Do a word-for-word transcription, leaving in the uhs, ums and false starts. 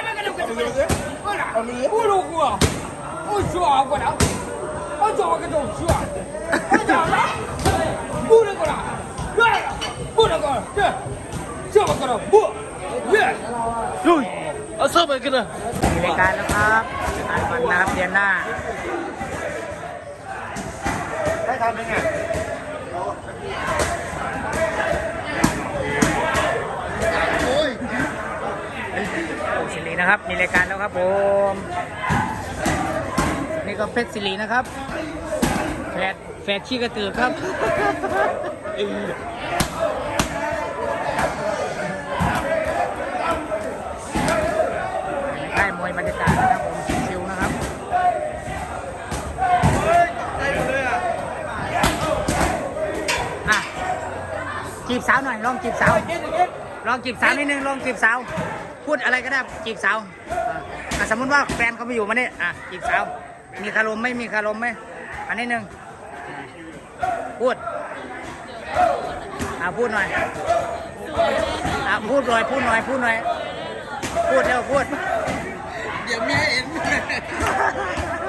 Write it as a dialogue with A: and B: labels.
A: ไม่กันดูกันดูกันก็ล่ะ不如我我说过了我说个东西我讲了不能过了对不能过了对这么过了不对
B: ลุยเอาเสื้อไปกันเลย
A: มีรายการแล้วครับอ่านวันนะครับเดือนหน้า
C: ได้ทำเป็นไง
A: โอ้สิรินะครับมีรายการแล้วครับผมนี่ก็เพชรสิรินะครับแฟดแฟดชี้กระตือครับได้มวยบรรยากาศนะครับผมชิวๆนะครับอ่ะจีบสาวหน่อยลองจีบสาวลองจีบสาวนิดนึงลองจีบสาวพูดอะไรก็ได้จีบสาวอ่ะสมมติว่าแฟนเขาไปอยู่มาเนี่ยอ่ะจีบสาวมีคารมไหมมีคารมไหมอันนี้หนึ่งพูดอ่ะพูดหน่อยอ่ะพูดหน่อยพูดหน่อยพูดหน่อยพูดเร็วพูด
C: เดี๋ยวเมียเห็น